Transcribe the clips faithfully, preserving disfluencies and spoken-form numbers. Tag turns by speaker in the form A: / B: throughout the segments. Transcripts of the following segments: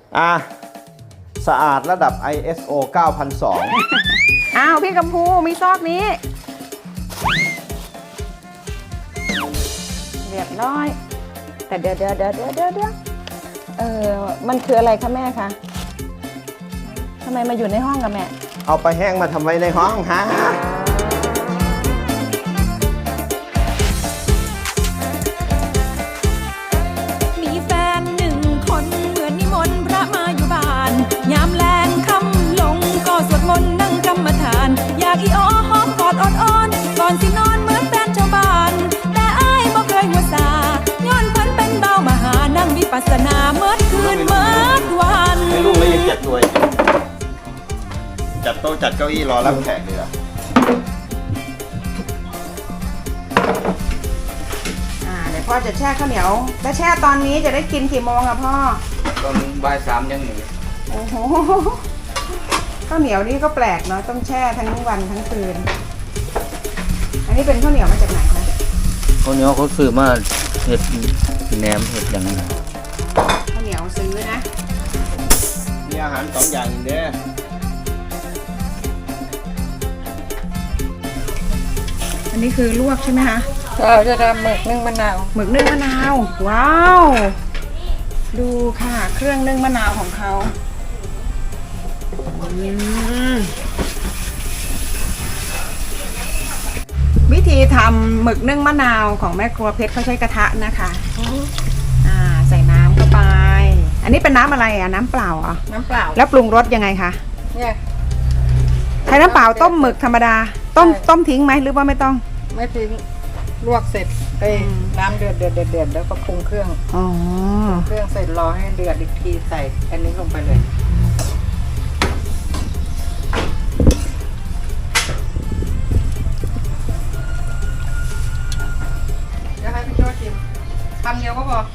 A: อ่ะสะอาดระดับ ไอ เอส โอ เก้าพันสอง
B: อ้าวพี่กัมพูมีซอกนี้เรียบร้อยแต่เดี๋ยวเดี๋ยวเดี๋ยวเดี๋ยวเดี๋ยวเออมันคืออะไรคะแม่คะทำไมมาอยู่ในห้องกับแม่
A: เอาไปแห้งมาทำไว้ในห้องฮะ
C: มีแฟนหนึ่งคนเหมือนนิมนต์พระมาอยู่บ้านยามแลงคำลงก็สวดมนต์นั่งกรรมฐานอยากอีอ้อหอมกอดอ่อนๆก่อนสินอนเหมือนแฟนชาวบ้านแต่อ้ายบ่เคยหัวซาย้อนเพิ่นเป็นเบามหานั่งวิปัสสนาเมื่อคืนเมื่อวัน
A: ไม่ลูกเลยยังจัดตัวจัดโต๊ะจัดเก้าอี้รอรับแขกเลยอ่ะ
B: อ่าเดี๋ยวพ่อจะแช่ข้าวเหนียวแล้วแช่ตอนนี้จะได้กินกี่โมงอะพ่อ
D: ตอนบ่ายสามยังหนี
B: โอ้โหข้าวเหนียวนี่ก็แปลกเนาะต้องแช่ทั้งวันทั้งคืนอันนี้เป็นข้าวเหนียวมาจากไหนคะ
D: คนนี้เขาซื้อมาเห็ดแหนมเห็ดอย่างนี้
B: ข้าวเหนียวซื้อนะ
A: มีอาหารสองอย่างเด้อ
B: อันนี้คือลวกใช่ไหมคะ
C: เราจะทำหมึกนึ่งมะนาว
B: หมึกนึ่งมะนาวว้าวดูค่ะเครื่องนึ่งมะนาวของเขาวิธีทำหมึกนึ่งมะนาวของแม่ครัวเพชรเขาใช้กระทะนะคะอ่าใส่น้ำเข้าไปอันนี้เป็นน้ำอะไรอ่ะน้ำเปล่าอ่ะ
C: น้ำเปล่า
B: แล้วปรุงรสยังไงคะ
C: เนี่ย
B: ใช้น้ำเปล่าต้มหมึกธรรมดาต้มต้มทิ้งไหมหรือว่าไม่ต้อง
C: ไม่ทิ้งลวกเสร็จเอ้ยน้ำเดือดเดือดเดือดเดือดแล้วก็ปรุงเครื่อง
B: อ๋อ
C: เครื่องเสร็จรอให้เดือดอีกทีใส่อันนี้ลงไปเลยเดี๋ยวให้พี่โจ้ชิมคำเดียวก็พอ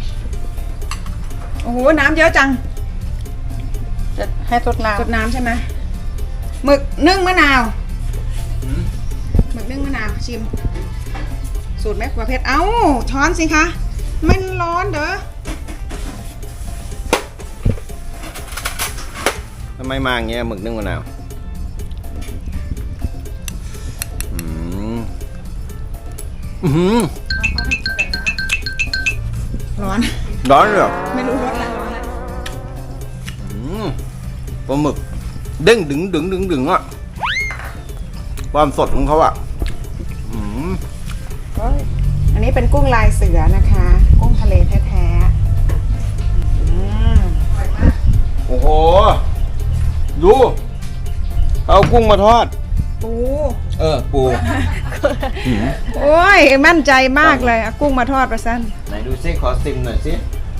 B: โอ้โหน้ำเยอะจัง
C: จะให้สดน้ำ
B: สดน้ำใช่ไหมหมึกนึ่งมะนาวหมึกนึ่งมะนาวชิมสูตรแม่ครัวเพชรเอ้าช้อนสิคะมันร้อนเด้อ
A: ทำไมมาอย่างเงี้ยหมึกนึ่งมะนาวอืมอืม
B: ร้อน
A: ร้อนเหรอ
B: ไม่รู้รสอะไรร้อนแล้ว
A: อืมปลาหมึกเด้งดึงดึงดึงดึงอ่ะความสดของเขาอ่ะอืม
B: อันนี้เป็นกุ้งลายเสือนะคะกุ้งทะเลแท้ๆ
A: โอ้โหดูเอากุ้งมาทอด
B: ปู
A: เออปู
B: โอ้ยมั่นใจมากเลยเอากุ้งมาทอดประสัน
A: ไหนดูซิขอซิมหน่อยสิ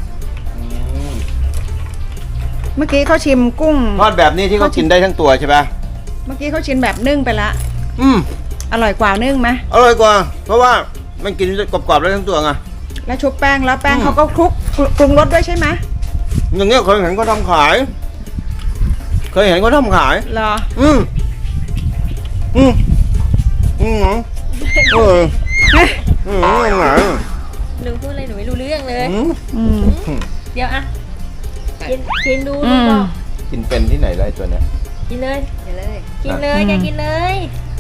B: เมื่อกี้เขาชิมกุ้ง
A: ทอดแบบนี้ที่เขากินได้ทั้งตัวใช่ปะ
B: เมื่อกี้เขาชิมแบบนึ่งไปละ
A: อืม
B: อร่อยกว่านึ่งไหม
A: อร่อยกว่าเพราะว่ามันกินกรอบๆได้ทั้งตัวไง
B: แล้วชุบแป้งแล้วแป้งเขาก็คลุกปรุงรสด้วยใช่ไหม
A: อย่างเงี้ยเคยเห็นเขาทำขายเคยเห็นเขาทำขาย
B: เหรอ
A: อืมอืมอืมเอออืมยังไง
E: หนูพูดอะไรหนูไม่รู้เรื่องเลย
B: อืม
E: เดี๋ยวอะกินกินดูดูบอก
A: กินเป็นที่ไหนไรตัวเนี้ย
E: กินเลยกินเลยกินเลยแกกินเลย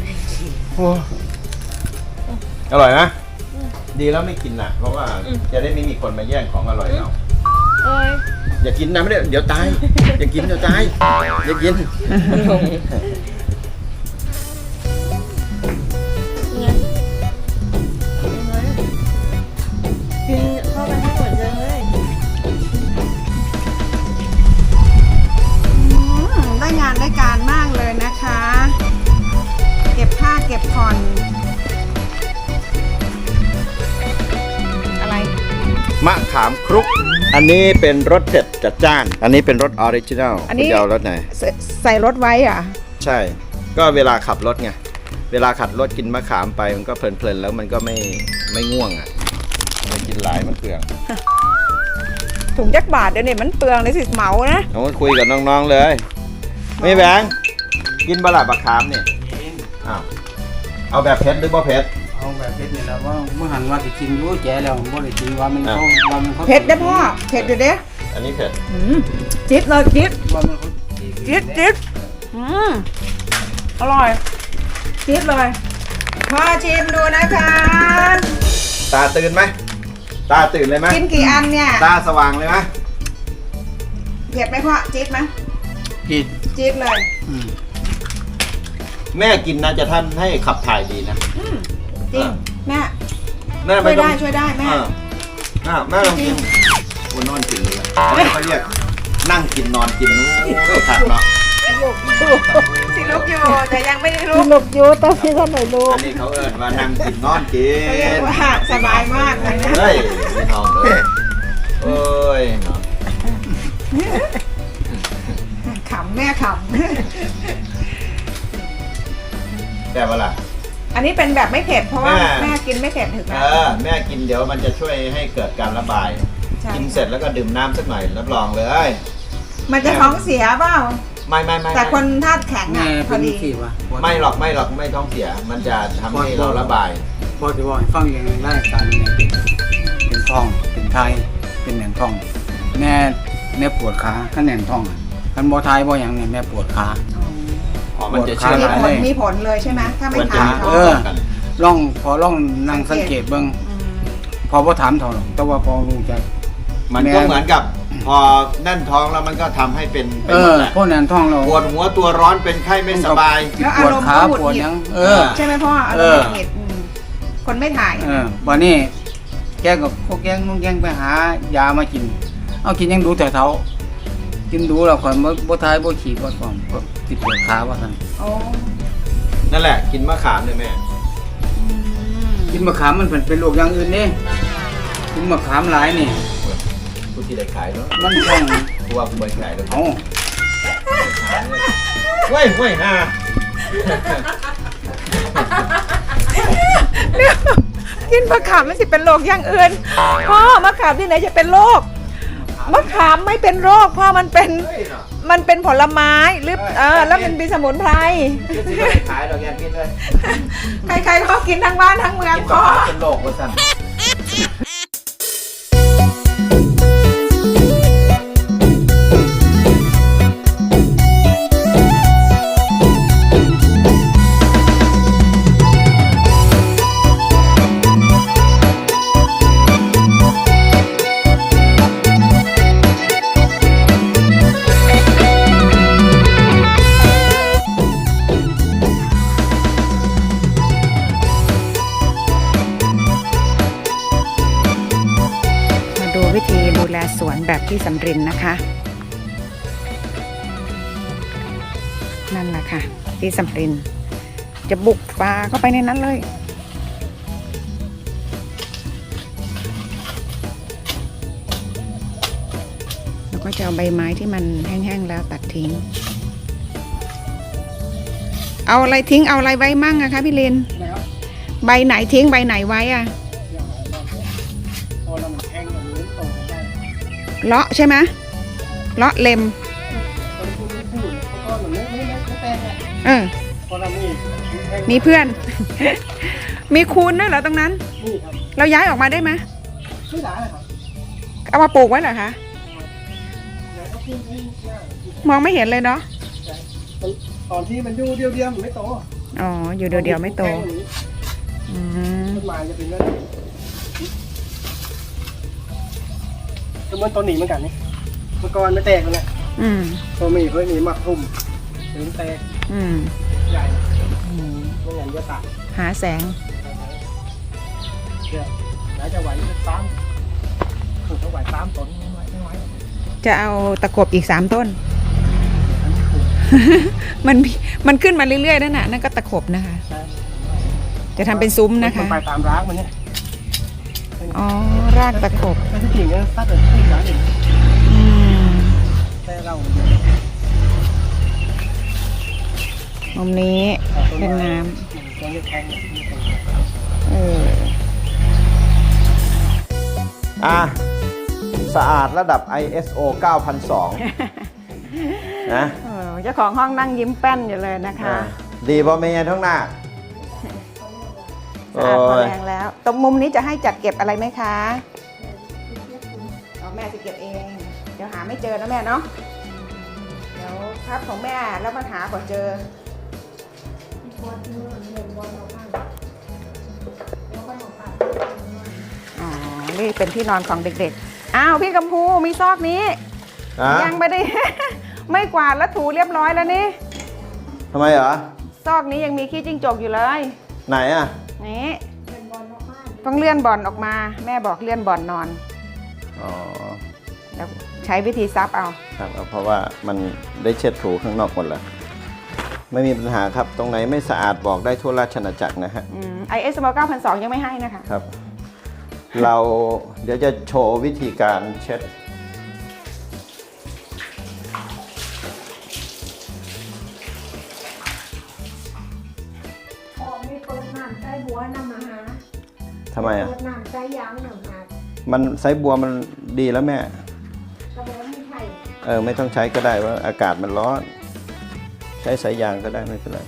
A: อร่อยนะดีแล้วไม่กินน่ะเพราะว่าจะได้ไม่มีคนมาแย่งของอร่อยเรา
E: เอ้ย
A: อย่ากินนะไม่ได้เดี๋ยวตายอย่ากินเดี๋ยวตายอย่ากิน
E: กินเข้าไปให้หมดเลย
B: ได้งานได้การมากเลยนะคะเก็บผ้าเก็บผ่อนอะไร
A: มะขามครุกอันนี้เป็นรสเผ็ดจัดจ้านอันนี้เป็นรสออริจินัล
B: อันนี้
A: เอารสไหน
B: ใส่รสไว้อ่ะ
A: ใช่ก็เวลาขับรถไงเวลาขับรถกินมะขามไปมันก็เพลินๆแล้วมันก็ไม่ไม่ง่วงอ่ะไม่กินหลายมันเปลือง
B: ถุงยักษ์บาทเดี๋ยวนี้มันเปลืองเลยสิเหมานะ
A: เอาคุยกับน้องๆเลยไม่แบงกินบะหล่ำมะขามเนี่ยอ้าวเอาแบบเผ็ดหรือบ่เผ็ด
D: เอาแบบเผ็ดนี่แหละว่าเมื่อหันว่าจะกินรู้แจ๋แล้วบ่ได้กินว่ามันเขาว่ามันเขา
B: เผ็ดได้พ่อเผ็ดอยู่เด้
A: เออันนี้เผ็ด
B: อืมจิ๊ดเลยจิ๊ดจิ๊ดจิ๊ดอืมอร่อยจิ๊ดเลยพ่อชิมดูนะคะ
A: ตาตื่นไหมตาตื่นเลยไหม
B: กินกี่อันเนี่ย
A: ตาสว่างเลยไหม
B: เผ็ดไหมพ่อจิ๊ดไหม
D: กิน
B: จิ๊ดเลย
D: อืม
A: แม่กินนะจะท่านให้ขับถ่ายดีนะ
B: อืมจริงแม่
A: แม่
B: ช่
A: ไม่
B: วย
A: ต้อ
B: ได้
A: ง
B: ช่วยได้แม่
A: อ่าอ่าแม่ลองกินวันนอนกินเลยอันนี้เขาเรียกนั่งกินนอนกินโอ้ยขาดเนาะ
B: สิลูกอยู่แต่ยังไม่ได้ลูก
E: หลบอยู่แต่พี่ท่านไหนรู้
A: อันนี้เขาเอิ้นว่านั่งกินนอนกิ
B: เขาเรียก
A: น
B: ว่าสบายมากเลยนะ
A: เฮ้ยพี่น้องเอ้ยเอ้ยเนาะ
B: ขำแม่ข
A: แต่ว่าล่ะ
B: ำอันนี้เป็นแบบไม่เผ็ดเพราะว่า
A: แม่
B: แม่กินไม่เผ็ดถึง
A: เอ
B: นะ
A: อแม่กินเดี๋ยวมันจะช่วยให้เกิดการระบาย
B: ใช่
A: กินเสร็จแล้วก็ดื่มน้ำสักหน่อยรับรองเลย
B: มันจะท้องเสียเปล่า
A: ไม่ไม่ไม่
B: แต่คนธาตุแข็ง
D: แม่
B: อ่ะพ
D: เป็
B: อน ดี
D: สิวะ
A: ไม่หรอกไม่หรอกไม่ท้องเสีย มันจะทำให้เราระบาย
D: พอจะบอกให้ฟังอย่างไรได้การแม่เป็นเป็นท้องเป็นไทยเป็นแหน่งท้อง แม่แม่ปวดขาขันแหน่งท้องอะคันบ่ทายบ่อย่างเนี่ยแม่ปวดขา
A: อ๋อมันจะเชื่อ
B: มี
A: ม
B: ผลมีผลเลยใช่ไหมถ้าไม่
A: ควรจะ
B: ทาน
A: มี
B: ท้
A: ผ
B: อ
A: ล
B: ง
D: เออ
A: กัน
D: ล่องพอล่องนั่งสังเกตเบิ่ง
B: ม
D: พอบ่ถามเท่าหรอกแต่ว่าพอรู้จัก
A: มันก็เหมือนกับ พอแน่นท้องแล้วมันก็ทำให้เป็นเป็น
D: เอ
A: หม
D: อ
A: ดแหละ
D: พวกแหน่งท้องเรา
A: ปวดหัวตัวร้อนเป็นไข้ไม่สบาย
B: แล้ว
D: ป
B: อาว
D: ด
B: รมณ์
D: ขา
B: ก็หงุด
D: ปวด
B: หงิ
D: หยั
B: ด
D: งเออ
B: ใช่ไหมพ่ออารมณ์หงุดหงิดมคนไม่ถ่าย
D: เออวันนี้แกก็พวกแกงนุ่งแกงไปหายามากิน เอากินยังดูแต่เท้ากินดูแล้วข่อยบ่บ่ทายบ่ขี่บ่ฟ้องก็ติดปวดขาว่าซั่น
B: โอ้
A: นั่นแหละกินมะขามเลยแม่
B: อืม
D: กินมะขามมันเป็นเป็นโรคอย่างอื่นนี่กินมะขามหลายนี่
A: ผู้ที่ได้ขายเนาะ
D: มันต้อง
A: ผู้ว่าผู้บริขายเลย
D: เอา
A: เว้ยเว้ยฮ่า
B: กินมะขามมันสิเป็นโรคอย่างอื่นพ่อมะขามที่ไหนจะเป็นโรคมะขามไม่เป็นโรคพ่อมันเป็น
A: เฮ้ยเนาะ
B: มันเป็นผลไม้หรือเออแล้วมันเป็นสมุนไพร
A: ผู้ที่ได้ขายดอกยางกินเลย
B: ใครๆก็กินทั้งบ้านทั้งเมือง
A: กิน
B: พ่
A: ต่
B: อ
A: อเป็นโรคว่าสั่น
B: มาดูวิธีดูแลสวนแบบที่สำรินนะคะ นั่นแหละค่ะ ที่สำรินจะบุกป่าเข้าไปในนั้นเลย แล้วก็จะเอาใบไม้ที่มันแห้งๆแล้วตัดทิ้ง เอาอะไรทิ้งเอาอะไรไว้มั่งอะคะพี่ลิน ใบไหนทิ้งใบไหนไว้อะเลาะใช่ไหมเลาะเล็มเออมีเพื่อน มีคูณด้วยเหรอตรงนั้น เราย้ายออกมาได้ไหมไม่ได้ครับเอามาปลูกไว้เหรอคะมองไม่เห็นเลยเนาะ
F: ตอนที่มันอยู่เดียวๆมันไม่โต
B: อ๋ออยู่เดียวๆไม่โตอืม
F: ต้นไม้จะเป็นเรื่องก็เหมือนต้นหนีเหมือนกันนี่เมื่อก่อนไม่แตกเลย
B: อืม
F: ตัวมีเพื่อนหนีมักทุ่มถึงแตก
B: อืม
F: ใหญ่
B: อืม
F: เมื่อไงจะตัด
B: หาแสง
F: เดี๋ยวไหนจะไหวสามถูกเขาไหวสามต้นไม่ไหวไม่ไหว
B: จะเอาตะขบอีกสามต้น มันมันขึ้นมาเรื่อยๆนั่นน่ะนั่นก็ตะขบนะคะ
F: ใช่
B: จะทำเป็นซุ้มนะคะ
F: มันไปตามร้างมันเนี่ย
B: อ๋อ รากตะขบ
F: แต่ที่จริงเนี่ยถ้าเกิดที่ร้านอื่น
B: อืม
F: แต่เรา
B: มุมนี้เป็นน้
F: ตัวนี้แทง
B: ำเออ
A: อ่ะสะอาดระดับ ไอ เอส โอ เก้าพันสอง นะ
B: เออเจ้าของห้องนั่งยิ้มแป้นอยู่เลยนะคะ
A: ดีพอเมียท้องหน้า
B: สะอาดพอแรงแล้ว ตรงมุมนี้จะให้จัดเก็บอะไรไหมคะเอาแม่จะเก็บเอง เดี๋ยวหาไม่เจอนะแม่เนาะเดี๋ยวครับของแม่แล้วมาหาก่อนเจออ๋อนี่เป็นที่นอนของเด็กๆอ้าวพี่กัมพูมีซอกนี้
A: อ่ะ
B: ยังไม่ได้ ไม่กวาดแล้วถูเรียบร้อยแล้วนี่
A: ทำไมเหรอ
B: ซอกนี้ยังมีขี้จิ้งจกอยู่เลย
A: ไหนอ่ะ
B: นี่ต้องเลื่อนบอลออกมาแม่บอกเลื่อนบอลนอน
A: อ๋อ
B: แล้วใช้วิธีซับเอา
A: ครับเอาเพราะว่ามันได้เช็ดถูข้างนอกหมดแล้วไม่มีปัญหาครับ ตรงไหนไม่สะอาดบอกได้ทั่วราชอาณาจักรนะฮะ
B: ไอเอสเก้าพันสองยังไม่ให้นะคะ
A: ครับ เราเดี๋ยวจะโชว์วิธีการเช็ด
E: ออกมีเปิดน้ำใส่บัวนำมาหา
A: ทำไมอ่ะ
E: เปิดน้ำใส่ยางหนึ่งหา
A: มันไซส์บัวมันดีแล้วแม่
E: กระบอกมีไข่
A: เออไม่ต้องใช้ก็ได้ว่าอากาศมันร้อน ใช้สายยางก็ได้ไม่เป็นไร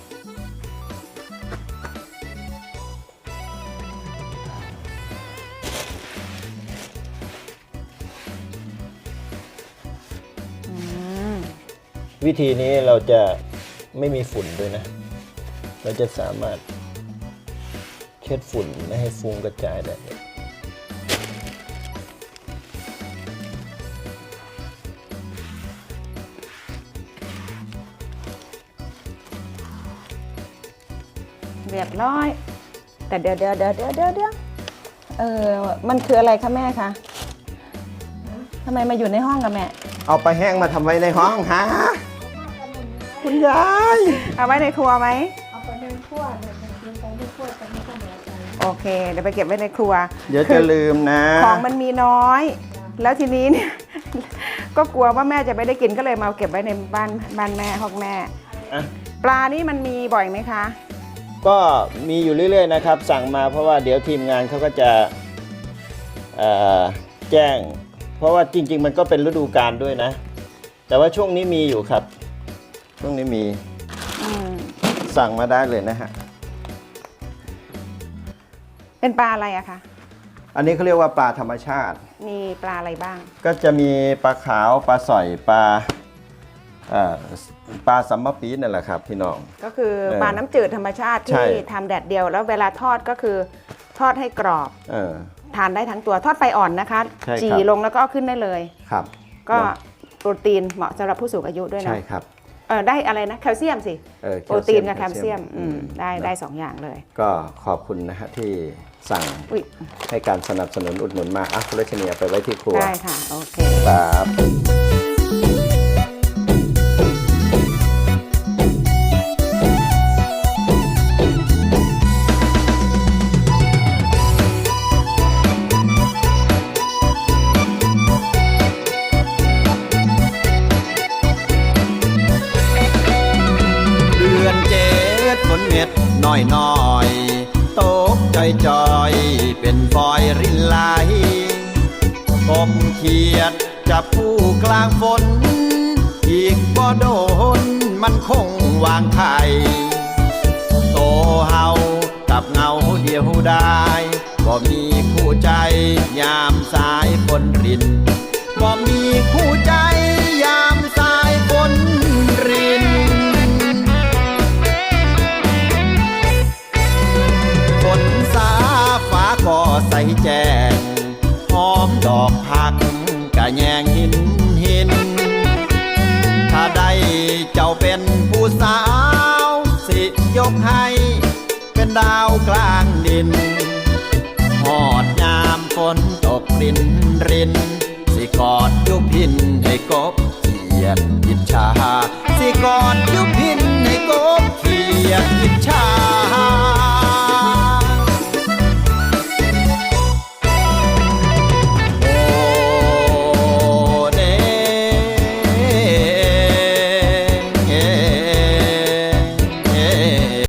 B: อืม
A: วิธีนี้เราจะไม่มีฝุ่นด้วยนะ เราจะสามารถเช็ดฝุ่นไม่ให้ฟุ้งกระจายได้
B: เรียบร้อย แต่เดี๋ยวเดี๋ยวเดี๋ยวเดี๋ยวเดี๋ยวเดี๋ยวเออมันคืออะไรคะแม่คะทำไมมาอยู่ในห้องกับแม่
A: เอาไปแห้งมาทำไว้ในห้องฮะคุณยาย
B: เอาไว้ในครัวไหม
E: เอาไปในขั้วเนี่ยมันกินไปในขั้วจะไม่ต้องเหลือใจ
B: โอเค เดี๋ยวไปเก็บไว้ในครัว
A: เดี๋ยว
B: คื
A: จะ
B: อ
A: ลืมนะ
B: ของมันมีน้อย แล้วทีนี้เนี่ย ก็กลัวว่าแม่จะไม่ได้กินก็เลยมาเก็บไว้ในบ้านบ้านแม่ห้องแม่
A: อ่ะ
B: ปลานี่มันมีบ่อยไหมคะ
A: ก็มีอยู่เรื่อยๆนะครับ สั่งมาเพราะว่าเดี๋ยวทีมงานเขาก็จะเอ่อแจ้ง เพราะว่าจริงๆมันก็เป็นฤดูกาลด้วยนะ แต่ว่าช่วงนี้มีอยู่ครับ ช่วงนี้มี
B: อืม
A: สั่งมาได้เลยนะฮะ
B: เป็นปลาอะไรอะคะ
A: อันนี้เขาเรียกว่าปลาธรรมชาติ
B: มีปลาอะไรบ้าง
A: ก็จะมีปลาขาวปลาสอยปลาเอ่อปลาสัมมะปีนั่นแหละครับพี่น้อง
B: ก็คือ
A: เออ
B: ปลาน้ำจืดธรรมชาติ
A: ใช่
B: ที่ทำแดดเดียว แล้วเวลาทอดก็คือทอดให้กรอบ
A: เออ
B: ทานได้ทั้งตัวทอดไฟอ่อนนะคะ
A: ใช่ครับ
B: จี่ลงแล้วก็เอาขึ้นได้เลย
A: ครับ
B: ก็โปรตีนเหมาะสำหรับผู้สูงอายุด้วยนะ
A: ใช่ครับ
B: เออได้อะไรนะแคลเซียมสิ
A: เออ
B: โปรตีนกับแคลเซียม
A: อื
B: อื
A: ม
B: มได้ได้สองอย่างเลย
A: ก็ขอบคุณนะฮะที่สั่ง
B: อุ้ย
A: ให้การสนับสนุนอุดหนุนมาอ่ะคุณรัชนีเอาไปไว้ที่ครัว
B: ได้ค่ะ โอเค
A: ครับ เดือนเจ็ดฝนเม็ดน้อยน้อยๆตกจอยจอยๆเป็นฟอยรินไหลกบเขียดจับผู้กลางฝน อีกบ่โดนมันคงวางไข่โตเฮากับเงาเดียวได้บ่มีคู่ใจยามสายฝนรินบ่มีคู่ใจยามสายฝนริน ฝนสาฟ้าก็ใสแจ้งหอมดอกผักกะแยงหินหิน ถ้าได้เจ้าเป็นผู้สาวสิยกให้เป็นดาวกลางดินหอดยามฝนตกรินรินสิกอดยุพินให้กบเขียดอิจฉาสิกอดยุพินให้กบเขียด